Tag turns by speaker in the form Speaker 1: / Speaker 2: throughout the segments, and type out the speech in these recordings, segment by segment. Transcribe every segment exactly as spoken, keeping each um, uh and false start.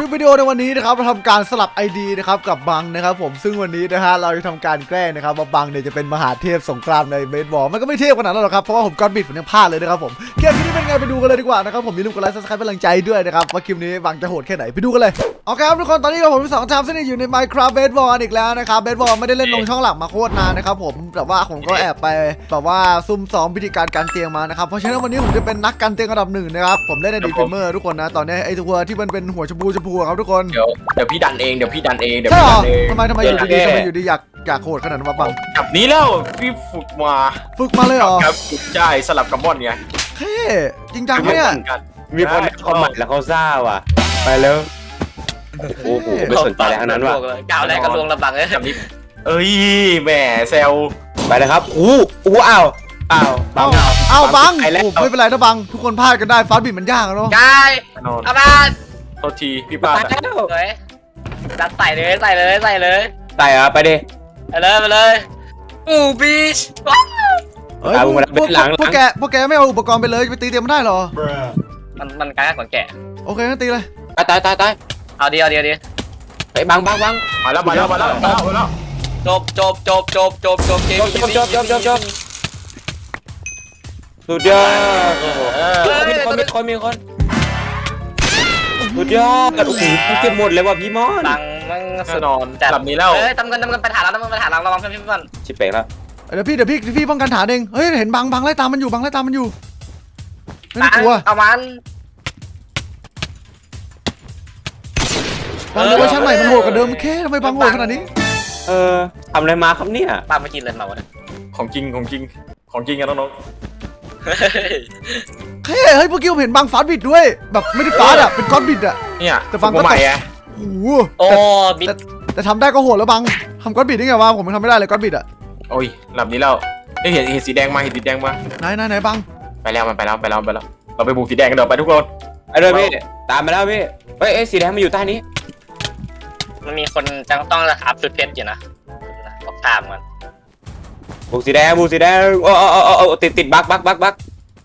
Speaker 1: ลิปวิดีโอในวันนี้นะครับเราทำการสลับ ไอ ดี นะครับกับบังนะครับผมซึ่งวันนี้นะฮะเราจะทำการแกล้งนะครับว่าบังเนี่ยจะเป็นมหาเทพสงครามในเบสบอลมันก็ไม่เทพขนาดนั้นหรอกครับเพราะว่าผมก้อนบิดผมยังพลาดเลยนะครับผมเกมนี้เป็นไงไปดูกันเลยดีกว่านะครับผมอย่าลืมกดไลค์ซับสไครป์เป็นกำลังใจด้วยนะครับว่าคลิปนี้บังจะโหดแค่ไหนไปดูกันเลยโอเคครับทุกคนตอนนี้ผมสองทามซึ่งอยู่ใน Minecraft Baseball อีกแล้วนะครับเบสบอลไม่ได้เล่นลงช่องหลักมาโคตรนานนะครับผมแต่ว่าผมก็แอบไปแบบว่าซุ่มซ้อมวิธีการการเตียงมานะครับเพราะฉะนั้นวันนี้ผมจะเป็นนักการเตียงอันดับหนึ่งนะครับผมเล่นในดีฟิเมอร์ทุกคนนะตอนนี้ไอ้ตัวที่มันเป็นหัวชมพูชมพูครับทุกคน
Speaker 2: เดี๋ยวเดี๋ยวพี่ดันเองเดี๋ยวพี่ดันเองเดี๋ยว
Speaker 1: ใช่
Speaker 2: พี่
Speaker 1: หร
Speaker 2: ดั
Speaker 1: อน
Speaker 2: เอง
Speaker 1: ทำไมทำไมอยู่ดีๆทำไมอยู่ดีอยากอยากโหดขนาดนั้นวะบัง
Speaker 2: จับนี้แล้วพี่ฝึกมา
Speaker 1: ฝึกมาเลยเหรอ
Speaker 2: ครับฝึกใช่สลับกับมอนไง
Speaker 1: เท่จริงจังไหมเนี่ย
Speaker 3: มีคนคอมเมนต์แล้วเขาซ่าว่ะไปแล้วโอ้โหไม่สนใจอะไรทั้งนั้นว่ะ
Speaker 4: ก้าวแรกก็ลวงระบังเลย
Speaker 2: จับนี้เอ้ยแหมเซล
Speaker 3: ไปเลยครับอู้อู้อ้าวอ้าวบัง
Speaker 1: เอ้าบัง
Speaker 3: ไปแล้ว
Speaker 1: โอ้ไม่เป็นไรนะบังทุกคนพลาดกันได้ฟาสต์บิดมันยากอะเนาะ
Speaker 4: กาย
Speaker 2: แน่นอน
Speaker 4: อาบ้าน
Speaker 2: โทษทีพี่พลาด
Speaker 3: ตาย
Speaker 2: อะ
Speaker 3: แล้ว
Speaker 4: สวยจัดใส่เลยใส่เลยใส่เลย
Speaker 3: ตายอ่ะไปดิ
Speaker 4: ไปเลยไปเลยอูบีช
Speaker 1: เฮ้ยพวกพวกพวกแกพวกแกไม่เอาอุปกรณ์ไปเลยไปตีเตียงมันได้เหรอ
Speaker 4: มันมันกลายเป็นแกะ
Speaker 1: โอเคงั้นตีเลย
Speaker 3: ตายตายตายตาย
Speaker 4: เอาดีเอาดีเอาดี
Speaker 3: ไปบังบังบัง
Speaker 2: มาแล้วมาแล้วมาแล้วมาแล้วมาแล้ว
Speaker 4: จบจบจบจบจบจบเกม
Speaker 3: จบจบจบจบจบสุดยอดมีคนมีคนมีคนสุดยอดโอ้โหเก็บหมดเลยว่ะพี่มอน
Speaker 4: บังมัน
Speaker 2: แน่
Speaker 4: สุด
Speaker 2: นอน
Speaker 4: จัด
Speaker 2: จับนี้แล้ว
Speaker 4: เอ้ยทำเงินทำเงินไปถ่ายเราทำเงินไปถ่ายเราระวังเพื่อนพี่ก่อน
Speaker 3: ชิบเป่งแล้ว
Speaker 1: เดี๋ยวพี่เดี๋ยวพี่พี่ป้องกันฐานเองเฮ้ยเห็นบังบังไล่ตามมันอยู่บังไล่ตามมันอยู่ไม่ต้องกลัว
Speaker 4: เอามัน
Speaker 1: บังเวอร์ชันใหม่มันโหดกว่าเดิมแค่ทำไมบังโหดขนาดนี้
Speaker 3: เออทำอะไรมาครับเนี่ย
Speaker 4: ปาไม่กินเลยมาวะเนี่ย
Speaker 2: ของจริงของจริงของจริงกันน้อง
Speaker 1: แค่เฮ้ยเมื่อกี้ผมเห็นบังฟาสต์บิดด้วยแบบไม่ได้ฟาสต์อะเป็นก้อนบิดอะ
Speaker 2: ๆเนี่ย
Speaker 1: แต่ฟังก็
Speaker 2: ฝึมาใหม่อะ
Speaker 1: โอ้โห
Speaker 4: โอ้บิด
Speaker 1: แต่แต่ทำได้ก็โหดแล้วบังทำก้อนบิดได้ไงวะผมยังทำไม่ได้เลยก้อนบิดอะ
Speaker 2: โอ้ยหลับนี้แล้วได้เห็นเห็นสีแดงมาเห็นสีแดงมา
Speaker 1: ไหนไหนไหนบัง
Speaker 2: ไปแล้วมันไปแล้วไปแล้วไปแล้วเราไปบุกสีแดงกันเดี๋ยวไปทุกคน
Speaker 3: ไปเลยพี่ตามมาแล้วพี่เฮ้ยสีแดงมันอยู่ใต้นี้
Speaker 4: มันมีคนจังต้องอัพชุดเพชรอยู่นะบอกตามมัน
Speaker 3: บุกสีแดงบุกสีแดงโอ้โอ้โอ้โอ้ติดติดบักบักบักบัก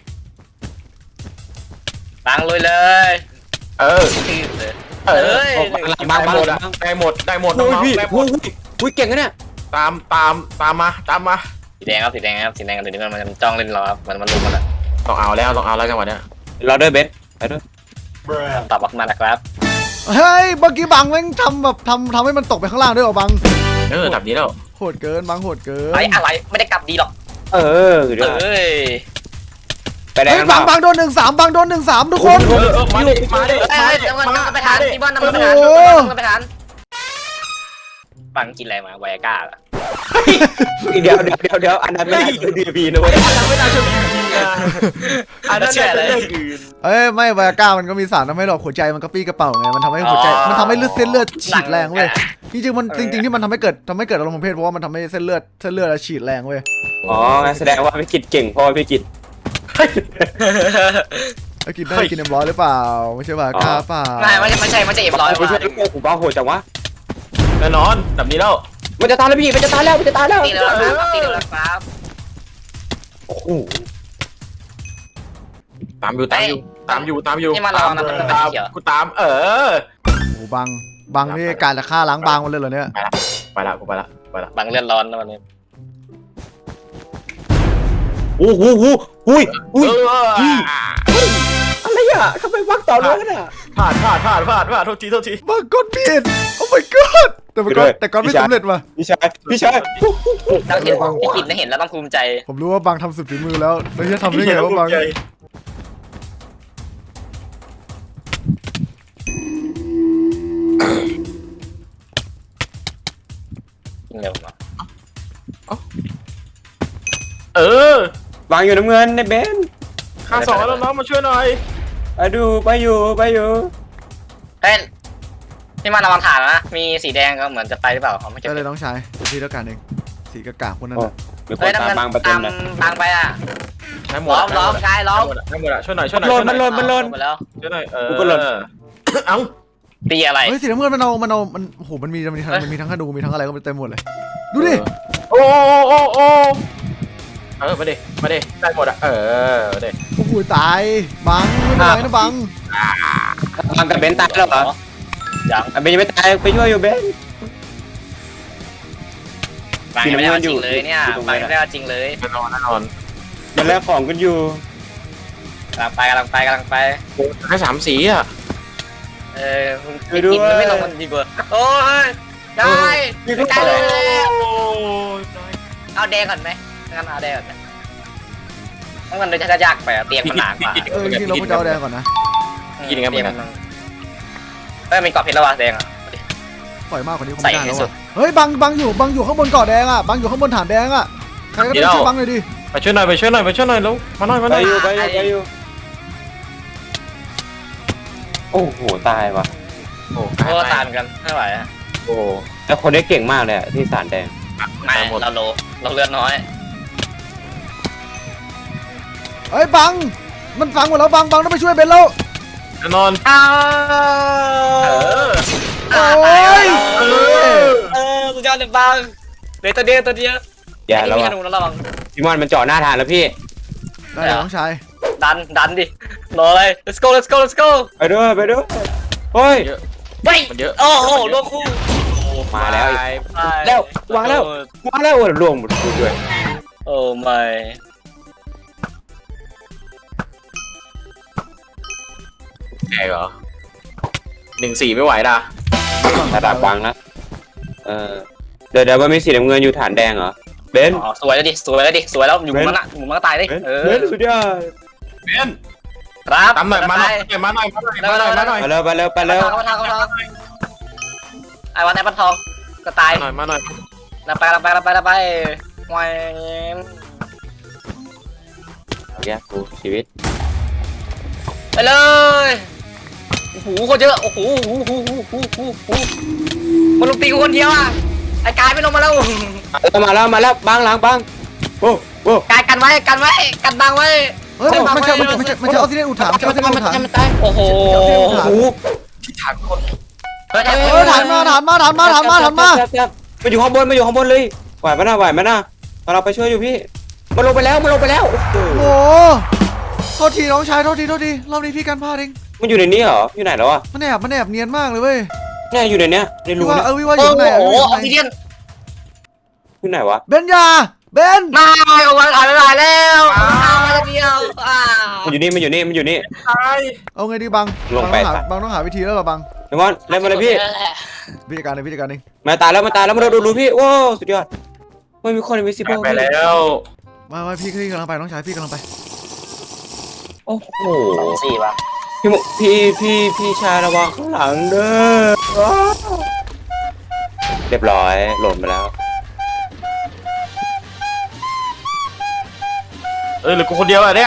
Speaker 4: บังลุยเลย
Speaker 2: เออ
Speaker 4: ตีเลย
Speaker 2: เออ
Speaker 4: เอ้ย
Speaker 3: บังบัง
Speaker 2: ได้หมด
Speaker 3: บั
Speaker 2: อะ
Speaker 3: ง
Speaker 2: ได้หมดได้หมดน้
Speaker 3: โอ้ย
Speaker 2: อง
Speaker 3: พี่
Speaker 2: ๆได้หม
Speaker 3: โอ้
Speaker 2: ด
Speaker 3: ยอุ้ยเก่งนะเนี่ย
Speaker 2: ตามตามตามมาตามมา
Speaker 4: สีแดงครับสีแดงครับสีแดงกันเดี๋ยวนี้มันมันจ้องเล่นเราครับมันมันลุมมันอะ
Speaker 2: ต้องเอาแล้วต้องเอาแล้วจังหวะเนี้ย
Speaker 3: เราด้วยเบสไปด้วย
Speaker 4: ตอบออกมานะครับ
Speaker 1: เฮ้ยเมื่อกี้บังแม่งทำแบบทำทำให้มันตกไปข้างล่างด้วยเหรอบัง
Speaker 2: เออแบบนี้แล้ว
Speaker 1: โหดเกินบังโหดเกิน
Speaker 4: ไอ้อะไรไม่ได้กลับดีหรอก
Speaker 3: เออเดี๋ยว
Speaker 4: เอ้ย
Speaker 3: ไปแดง
Speaker 1: เฮ้ย
Speaker 3: กัน
Speaker 1: บัง
Speaker 3: เป
Speaker 1: บั
Speaker 3: ล่าง
Speaker 1: โดนหนึ่งสามบังโดนหนึ่งสามทุกคน
Speaker 2: เออเออมาดิมาดิ
Speaker 4: เอ้
Speaker 2: มาย ดิ
Speaker 4: เดี๋ยวมัน
Speaker 2: มา
Speaker 4: ไปทาน
Speaker 2: ดิ
Speaker 4: ที่บ้านนำมันไปทาน
Speaker 1: โอ้โห
Speaker 4: นำมันไปทานบังกินอะไรมาไวอาก้าเหรอ
Speaker 3: เดี๋ยวเดี๋ยวเดี๋ยวเดี๋ยวอันนั้นไม่ได้ดีพีนะเว้ย
Speaker 2: อันนั้นไม่น่าเชื่อถือจริงนะอันนั้นน่าจะเรื่องอื่น
Speaker 1: เอ้ยไม่ไวอาก้ามันก็มีสารทำให้หลอดหัวใจมันกระปี้กระเป๋าไงมันทำให้หัวใจมันทำให้เลือดเส้นเลือดฉีดแรงเว้ยจริงๆมันจริงๆที่มันทำให้เกิดทำให้เกิดอารมณ์ทางเพศเพราะว่ามันทำให้เส้นเลือดเส้นเลือดฉีดแรงเว้ย
Speaker 3: อ๋อแสดงว่าพี่กิจเก่งเพราะว่าพี่กิจ
Speaker 1: ไอ้กินได้กินเอ็มร้อยหรือเปล่าไม่ใช่ไวอาก้าเปล่า
Speaker 4: ไม่ไม่ไม่ใช่ไม่ใช่เอ็มร้อย
Speaker 3: ไม่ใช่ลูกผมบ้าโหดจังวะ
Speaker 2: แน่นอนแบบนี้แล้ว
Speaker 3: มันจะตายแล้วพี่มันจะตายแล้วมันจะตายแล้ว
Speaker 4: ตีเลยครับตีเลยครับ
Speaker 3: โอ้โห
Speaker 2: ตามอยู่ตามอยู่ตามอยู่ตามอยู่
Speaker 4: นี่มาลองนะมันเป็น
Speaker 2: ตาม
Speaker 4: เขียว
Speaker 2: กูตามเออ
Speaker 1: โอ้บังบังนี่การจะฆ่าล้างบางมันเลยเหรอเนี่ย
Speaker 2: ไปละกูไปละไปละ
Speaker 4: บังเลือดร้อนนะวันนี้
Speaker 3: โอ้โหโอ้โหอุ้ยอุ้ย
Speaker 2: เออ
Speaker 3: อะไรอ่ะทำไมวักต่อเนื่องอ่ะ
Speaker 2: พลาดพลาดพลาดพลาดพลาดโทษทีโทษที
Speaker 1: บังก้อนผิดโอ้ my god แต่มันก็แต่ก้อนไม่สำเร็จว่ะ
Speaker 3: พี่ชายพี่ชาย
Speaker 4: ต้องเห็นพี่กินได้เห็นแล้วต้องภูมิใจ
Speaker 1: ผมรู้ว่าบังทำสุดฝีมือแล้วแล้วจะทำได้ไงว่าบัง
Speaker 4: เร็วมา
Speaker 2: เออ
Speaker 3: วางอยู่น้ำเงินในเบน
Speaker 2: ข้าสองแล้วน้องมาช่วยหน่อย
Speaker 3: ไปดูไปอยู่ไปอยู่
Speaker 4: เฮ้ยนี่มาระวังฐานนะมีสีแดงก็เหมือนจะไปหรือเปล่าเขาไม่เก็บ
Speaker 1: ได้เลยน้องชายเดี๋ยวพี่แล้วกันเองสีกากาคนนั้นน่ะ
Speaker 3: มีค
Speaker 4: เฮ้ย
Speaker 3: นตามบางประเต็
Speaker 4: ตาม ม
Speaker 3: นะ
Speaker 4: บางไปอ่ะ
Speaker 2: ได้หม
Speaker 4: ล้
Speaker 2: ด
Speaker 4: อมล้อมชายล้อม
Speaker 2: ได้หมดอะช่วยหน่อยช่วยหน่อย
Speaker 3: มันหล่นมันหล่น
Speaker 4: ไปแล้ว
Speaker 2: ช่วยหน่อยเออ
Speaker 3: กูก็หล่น
Speaker 2: เอ้า
Speaker 4: ตีอะไร
Speaker 1: เฮ้ยสีน้ำเงินมันเอามันเอามันโอ้โหมันมีมันมีทั้งมันมีทั้งธนูมีทั้งอะไรก็เต็มหมดเลยดูดิ
Speaker 2: โอ้โอ้โอ้เออมาดิมาดิได้หมดอะเออมาดิ
Speaker 1: โอ้โหตายบังไม่เป็นไรนะบัง
Speaker 3: บางกับเบนตายแล้วเหรอ
Speaker 4: ยัง
Speaker 3: อ่ะเบนยังไม่ตายไปช่วยอยู่เบน
Speaker 4: บางยังไม่ได้เอาจริงเลยเนี่ยบางยังไม่ได้เอาจริงเลย
Speaker 2: แน่นอนแน่นอน
Speaker 3: มันแลกของกันอยู่
Speaker 4: กำลังไปกำลังไปกำลังไป
Speaker 2: โอ้แค่สามสีอ่ะ
Speaker 4: เออไม่กินมันไม่ลงมันดีกว่าโอ้ยได้ไม่ได้เลยเอาแดงก่อนไหมงั้นเอาแดงก่อนไหมต้องมันเลยจะยากไปเตียงมันหนากว่า
Speaker 1: เออจริงๆเราควรจะเอาแดงก่อนนะ
Speaker 2: กินยังไงเหมือนกัน
Speaker 4: เอ้ยมีกรอบเพชรแล้ววะแดงอ่ะ
Speaker 1: ปล่อยมากกว่านี้คง
Speaker 4: ใส่
Speaker 1: ไม่ได้
Speaker 4: ให้
Speaker 1: แล้ว
Speaker 4: สุด
Speaker 1: ว่ะเฮ้ยบังบังอยู่บังอยู่ข้างบนเกาะแดงอ่ะบังอยู่ข้างบนฐานแดงอ่ะใครก็ได้ช่วยบังหน่อยดิ
Speaker 2: ไปช่วยหน่อยไปช่วยหน่อยไปช่วยหน่อยแล้วมาหน่อยมาห
Speaker 3: ไป
Speaker 2: น่อย
Speaker 3: อยู่ไปอยู่ไปอยู่โอ้โหตายว่ะ
Speaker 2: โอ้
Speaker 4: โอ้ตามกันไม่ไหวอ่ะ
Speaker 2: โอ้
Speaker 3: แล้วคนนี้เก่งมากเลยอะที่สารแดง
Speaker 4: ไม่เราโลเราเลือดน้อย
Speaker 1: เฮ้ยบังมันฟังหมดแล้วบังบังต้องไปช่วยเบนแล้ว
Speaker 2: แน่นอน
Speaker 4: อ้าว
Speaker 2: เออ
Speaker 1: โอ้ย
Speaker 2: เออ
Speaker 4: เออสุดยอดเลยบางเหลือตัวเดียวตัวเดียว
Speaker 3: อย่า
Speaker 4: ไอ้
Speaker 3: แล้ว
Speaker 4: นี่มี
Speaker 3: อะ
Speaker 4: ธนูแล้วระวัง
Speaker 3: พี่มอนมันเจาะหน้าทานแล้วพี่
Speaker 1: ได้เลยน้องชาย
Speaker 4: ดันดันดิรอเลย let's go let's go let's go
Speaker 3: ไปด้วยไปด้วยเฮ้ย
Speaker 2: เยอะ
Speaker 4: เฮ้ย
Speaker 2: มันเยอะ
Speaker 4: โอ้โหลงคู่
Speaker 3: มาแล้วอีก
Speaker 4: ไป
Speaker 3: แล้ววางแล้ว มาแล้วโอ้ยรวมหมดด้วย
Speaker 4: โอ้ไม่
Speaker 2: แกเหรอหนึ่งสี่ไม่ไหวด่ะ
Speaker 3: ระดับวางนะเออเดี๋ยวเดี๋ยวมันมีสีน้ำเงินอยู่ฐานแดงเหรอเบน
Speaker 4: อ๋อสวยแล้วดิสวยแล้วดิสวยแล้วอยู่มุมนั้นอะอยู่มุมนั้นก็ตายดิ
Speaker 3: เบน
Speaker 4: เออ
Speaker 3: เบนสุดยอด
Speaker 2: เบน
Speaker 4: ครับ
Speaker 2: ตามหน่อยมาหน่อยมาหน่อยมาหน่อยมาหน่อยมาหน่อย
Speaker 3: ไปแล้วไปแล้วไปแล้ว
Speaker 4: เข้าทางเข้าทางไอ้วันไอ้ปันทองก็ตาย
Speaker 2: มาหน่อยมาหน่อย
Speaker 4: เราไปเราไปเราไปเราไปวาย
Speaker 3: เอาแยกกูชีวิต
Speaker 4: ไปเลยโอ้โหคนเยอะโอ้โหโอ้โหโอ้โหโอ้โหมันลงตีกูคนเดียวอ่ะไอ้กายไม่ลงมาแล้ว
Speaker 3: มาแล้วมาแล้วบางหลังบางโอ้โอ้
Speaker 4: กายกันไว้กันไว้กันบังไว้
Speaker 1: เฮ้ยมันจะมันจะมันจะมันจะเอาที่เล่นอุถามมันจะเอาที่เล่นอุถาม
Speaker 4: โอ้โห
Speaker 3: โอ้โห
Speaker 2: ที่ถังคน
Speaker 4: เฮ้ย
Speaker 1: เออฐานมาฐานมาฐานมาฐานมาฐานมา
Speaker 3: มาอยู่ข้างบนมาอยู่ข้างบนเลยไหวไหมนะไหวไหมนะเราไปช่วยอยู่พี่มันลงไปแล้วมันลงไปแล้วโอ้โห
Speaker 1: โอ้โทษทีน้องชายโทษทีโทษทีรอบนี้พี่กันพลาดเอง
Speaker 3: มันอยู่ในนี้เหรออยู่ไหนแล้วอ่ะ
Speaker 1: มันแอบมันแอบเนียนมากเลยเว้ย
Speaker 3: เนี่ยอยู่ในเนี้ยในรู
Speaker 1: พี่ว่า
Speaker 3: เนี่ย
Speaker 1: เออพี่ว่าอ
Speaker 4: โอ้
Speaker 1: ยู่ข้างใน
Speaker 4: โห
Speaker 1: อะ
Speaker 4: ออกซิเดียน
Speaker 3: อยู่ไหนวะ
Speaker 1: เบนยาเบน
Speaker 4: มาเอาไว้ถ่ายไม่ได้แล้วเอามาเดียวอ่า
Speaker 3: มันอยู่นี่มันอยู่นี่มันอยู่นี่
Speaker 2: ตาย
Speaker 1: เอาไงดีบัง
Speaker 3: ลงไป
Speaker 1: บังต้องหาบังต้องหาวิธีแล้วเหรอบัง
Speaker 3: เดี๋ยวมอนเล่นมาเลยพี่
Speaker 1: พิจารการเองพิจารการเอง
Speaker 3: มาตายแล้วมาตายแล้วมาดูดูพี่ว้าวสุดยอดไม่มีคนอินวิซิเบิล
Speaker 2: ไปแล้ว
Speaker 1: มามาพี่พี่กำลังไปน้องชายพี่กำลังไป
Speaker 3: โอ้โห
Speaker 4: สองสี่ป่ะ
Speaker 3: พี่มุพี่พี่พี่ชายระวังข้างหลังเด้อว้าวเรียบร้อยหล่นไปแล้ว
Speaker 2: เออเหลือกูคนเดียวอ่ะเนี่ย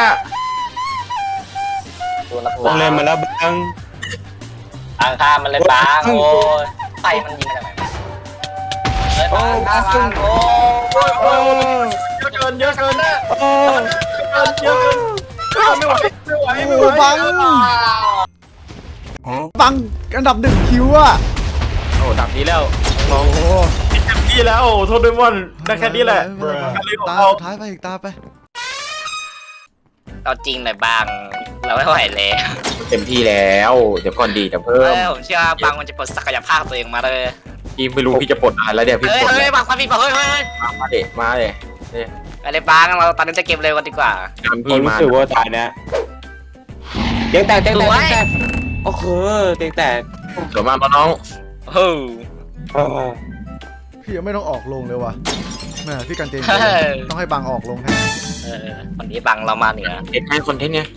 Speaker 4: ตัวละ
Speaker 3: ต้องเล่นมาแล้วบัง
Speaker 4: บางข้ามมันเลยบางโอ้ยไฟมันยิงมาจากไหนเลยบางบางบางโอ้
Speaker 3: โอ้
Speaker 2: เยอะเกินเยอะเกิน
Speaker 3: โอ้
Speaker 2: เยอะเกินไม่ไหวไม่ไหวไม่
Speaker 1: โอ้
Speaker 2: ไหว
Speaker 1: บังบังอันดับหนึ่งคิวอะ
Speaker 2: โอ้ดับนี้แล้ว
Speaker 1: โอ้โห
Speaker 2: เต็มที่แล้วโทษด้วยมอนได้แค่นี้แหละ
Speaker 1: ตาสุดท้ายไปอีกตาไป
Speaker 4: เราจริงหน่อยบางเราไม่ไหวแล้ว
Speaker 2: เต็มที่แล้ว เดี๋ยวก่อนดีจะ
Speaker 4: เอ
Speaker 2: เพิ่ม
Speaker 4: อผมเชื่อบางมันจะปลดศักยภาพตัวเองมาเลย
Speaker 2: พี่ไม่รู้พี่จะปลดอะไรแล้วเดี๋ยวพี่
Speaker 4: เฮ้ย
Speaker 2: ปลด
Speaker 4: เฮ้ยบางความผิดบอกเฮ้ยเฮ้ย
Speaker 2: มาเด็มาเด็
Speaker 4: อะไรบางเราตอนนี้จะเก็บเร็วกันดีกว่า
Speaker 2: ตาม
Speaker 3: ผ
Speaker 2: พี่
Speaker 3: มรู้
Speaker 2: มา
Speaker 3: สึกว่าตายนะเตียงแตกเตียงแตก
Speaker 4: สวย
Speaker 3: เตียงแตกโอ้โหเตียงแตก
Speaker 2: เดี๋ยวมาน้อง
Speaker 4: เฮ้ย
Speaker 3: เออ
Speaker 1: พี่ยังไม่ต้องออกลงเลยว่ะแม่พี่กันเจน
Speaker 4: เฮ้ย
Speaker 1: ต้องให้บังออกลงแทน
Speaker 4: เออวันนี้บางเรามาเหนือ
Speaker 2: เด็กให้คอนเทนต์ไง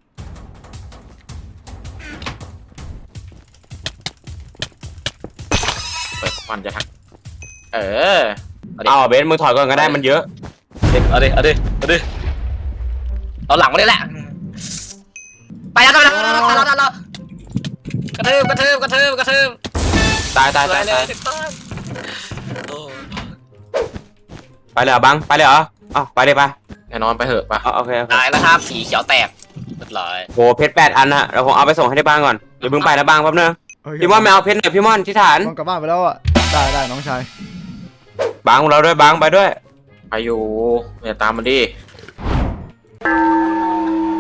Speaker 2: เปิดมันจะทักเออ
Speaker 3: เอาเบนมือถอยก่อนก็ได้มันเยอะ
Speaker 4: เอาดิเอาดิเอาดิเอาหลังมาเลยแหละไปแล้วไปแล้วไปแล้วไปแล้วไปแล้วกระทืบกระทืบกระทืบกระทืบ
Speaker 3: ตายตาย
Speaker 4: สว
Speaker 3: ตาย
Speaker 4: ยเล
Speaker 3: ตาย
Speaker 4: ยถูกต้องโอ้
Speaker 3: ไปเลยเหรอบังไปเลยเหรออ้าวไปเลยไป
Speaker 2: แน่นอนไปเถอะปะ
Speaker 3: อ๋อโอเคโอเค
Speaker 4: ตายแล้วครับสีเขียวแตกเรียบร้อย
Speaker 3: โหเพชรแปดอันนะเราคงเอาไปส่งให้ที่บ้านก่อนเดี๋ยวเพิ่งไปนะบ้างแป๊บนึงพี่ม่อนไม่เอาเพชรหน่อยพี่ม่อนที่ฐาน
Speaker 1: ต้องกลับบ้านไปแล้วอะได้ได้น้องชาย
Speaker 3: บังเราด้วยบังไปด้วย
Speaker 2: ไปอยู่อย่าตามมันดิ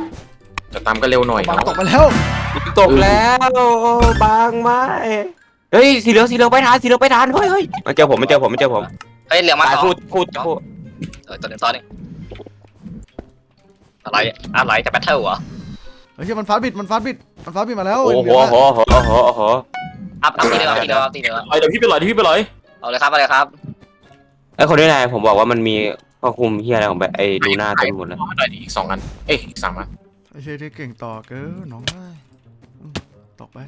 Speaker 2: จะตามก็เร็วหน่อย
Speaker 1: บัง
Speaker 2: เนาะ
Speaker 1: ตกไปแล้ว
Speaker 3: ตกแล้วโอ้บังไม่เฮ้ยสีเหลืองสีเหลืองไปทานสีเหลืองไปทานเฮ้ยเฮ้ยมาเจอผมมาเจอผมมาเจอผม
Speaker 4: เฮ้ยเหลืองมา
Speaker 3: ตาย
Speaker 4: สอง
Speaker 3: พูดพูดพูด
Speaker 4: เออตัวหนึ่งตัวหนึ่งอะไรอะไรจะแบทเทิลเหรอ
Speaker 1: เฮ้ยมันฟาดบิดมันฟาดบิดมันฟาดบิดมาแล้ว
Speaker 3: โอ้โห
Speaker 1: เหลือง
Speaker 3: โอ้
Speaker 1: อะ
Speaker 3: โหโอ้โหโอ้โห
Speaker 4: อัพอัพทีเดียวอัพทีเดียวอัพทีเดียว
Speaker 2: เอ้ยเดี๋ยวพี่ไปลอยเดี๋ยวพี่ไปลอย
Speaker 4: เอาเลยครับเอาเลยครับ
Speaker 3: ไอ้คนนี้นายผมบอกว่ามันมีข้อคุมเฮียอะไรของแบบไอ้ลูน่าเต็มหมดเลย
Speaker 2: เอาให้หน่อยดิอีกสองอันเอ้ยอีกสามอัน
Speaker 1: ไอ้เชยที่เก่งต่อเกินน้องได้อืมตกไป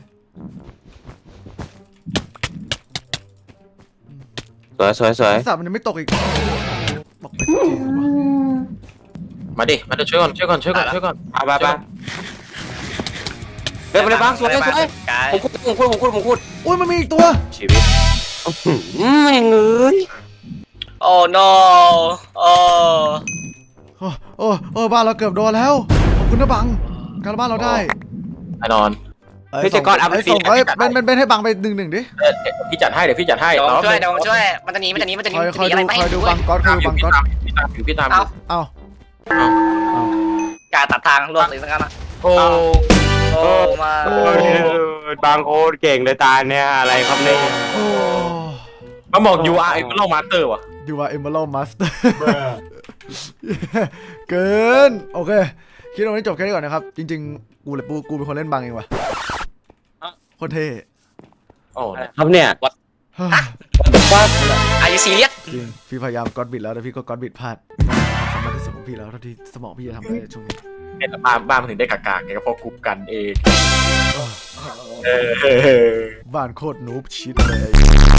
Speaker 3: สวยสวยสวย
Speaker 1: ไอ้สัตว์มันยังไม่ตกอีกตกไปสักทีวะ
Speaker 2: มาดิมาเดี๋ยวช่วยก่อนช่วยก่อนช่วยก่อนช่วยก่อน
Speaker 3: เอาไปไปเร็วไปเลยบ้างสวยสวย
Speaker 4: กาย
Speaker 3: ผมพูดผมพูดผมพูดผมพูด
Speaker 1: อุ้ยมันมีอีกตัว
Speaker 3: ชีวิตไม่เงย
Speaker 4: โอ้ no โอ้
Speaker 1: โอ้โอ้โอ้บ้านเราเกือบโดนแล้วขอบคุณนะบังการบ้านเราได้
Speaker 2: แน่นอน
Speaker 1: ไอ้ส่งไอ้ส่งไอ้เป็นเป็นเป็นให้บังไปหนึ่งหนึ่งดิ
Speaker 2: เออเดี๋ยวพี่จัดให้เดี๋ยวพี่จัดให้
Speaker 4: เดี๋ยวผม
Speaker 2: น้อง
Speaker 4: ช่วยเดี๋ยวผมช่วยมันจะหนีมันจะหนีมันจะหนี
Speaker 1: คอย
Speaker 4: มัน
Speaker 1: คอย
Speaker 4: จะหนี
Speaker 1: ดู
Speaker 4: อะไรไม่
Speaker 1: คอย
Speaker 4: ให้
Speaker 1: ดู
Speaker 4: ดู
Speaker 1: บังก๊อตคอยดูบังก๊อต
Speaker 2: พี่ตามอยู่พี่ตามอ
Speaker 4: เอา
Speaker 2: ยู่
Speaker 1: เอ้า
Speaker 4: การตัดทางล่วงเลยสักกันอ่ะ
Speaker 2: โอ้
Speaker 4: โอ้มา
Speaker 3: บางโคตรเก่งเลยตาเนี่ยอะไรครับเนี่ย
Speaker 1: โอ้
Speaker 2: มาบอก you are a fellow master ว่ะ
Speaker 1: ดูว่าเอมเบอร์มาสเตอร์เกินโอเคคิดว่าวันนี้จบแค่นี้ก่อนนะครับจริงๆกูเลยปูกูเป็นคนเล่นบังเองว่ะโคตรเท่
Speaker 2: โอ้
Speaker 3: ครับเนี่ย
Speaker 4: อายุซีเรียส
Speaker 1: จริงพี่พยายามก๊อตบิดแล้วแต่พี่ก็ก๊อตบิดพลาดสามารถที่สุดของพี่แล้วเท่าที่สมองพี่จะทำได้ในช่วงนี้
Speaker 2: ไอ้แต่บ้านบ้านมันถึงได้กากๆไงก็เพราะกลุ่มกันเองเออ
Speaker 1: บ้านโคตรนูบชิดเลย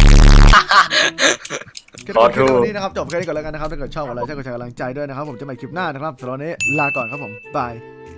Speaker 1: ก็
Speaker 2: ขอ
Speaker 1: จบ
Speaker 2: โท
Speaker 1: แค่
Speaker 2: ษ
Speaker 1: นี้นะครับจบแค่นี้ก่อนแล้วกันนะครับถ้าเกิดชอบอะไรช่วยกดแชร์กำลังใจด้วยนะครับผมจะใหม่คลิปหน้านะครับสำหรับวันนี้ลาก่อนครับผมบาย